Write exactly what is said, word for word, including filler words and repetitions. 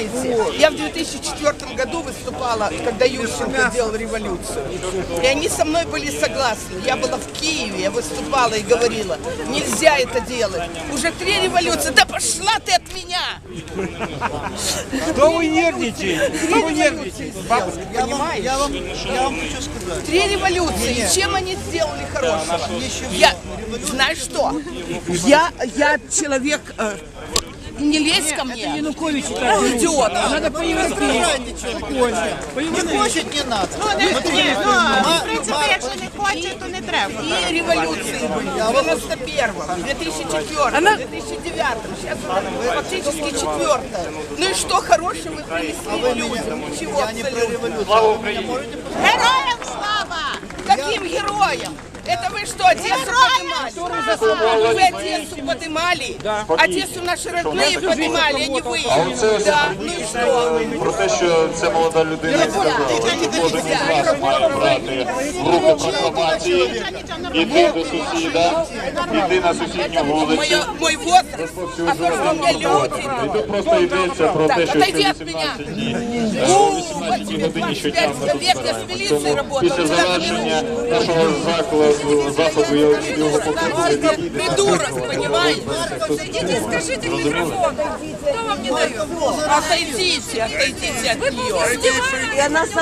понимаете? Я в две тысячи четвёртом году выступала, когда Ющенко делал революцию. И они со мной были согласны. Я была в Киеве, я выступала и говорила, нельзя это делать. Уже три революции. Да пошла ты от меня! Что вы нервничаете? Что вы нервничаете? Бабушка, понимаешь? Я вам, я вам хочу сказать. Три революции. Чем они сделали хорошего? Я, знаешь что? Я, я человек... э, не лезь ко мне. Янукович Идиот. надо по-европейски. Спокойно. Не хочет, не надо. Ну, не, ні, ну, в принципі, якщо не хоче, то не треба. И революции были в девяносто первом, две тысячи четвёртом, две тысячи девятом, сейчас уже фактически четвертое. Ну и что хорошего вы принесли людям? Ничего абсолютно. Героям слава! Каким героям? Это вы что, Одессу поднимали? Вы Одессу поднимали? Одессу наши родные поднимали, а не вы. Да, ну и что? Про те, що ця молода людина сказала, що кожен із вас має брати в руки прокламації, іти до сусіда, іти на сусідню вулицю. Мой, мой возраст, а то, что у меня люди. І тут просто йдеться про те, що Отойди ще от меня. вісімнадцять днів, У, о вісімнадцятій тебе годині двадцать пять щодня ми лет, тут я с збираємося. милицией Тому работала. після завершення нашого закладу, заходу я його покажу. Придурок, понимаете? Идите, скажите в микрофон. Кто вам не дает? Отойдите, отойдите от нее. И она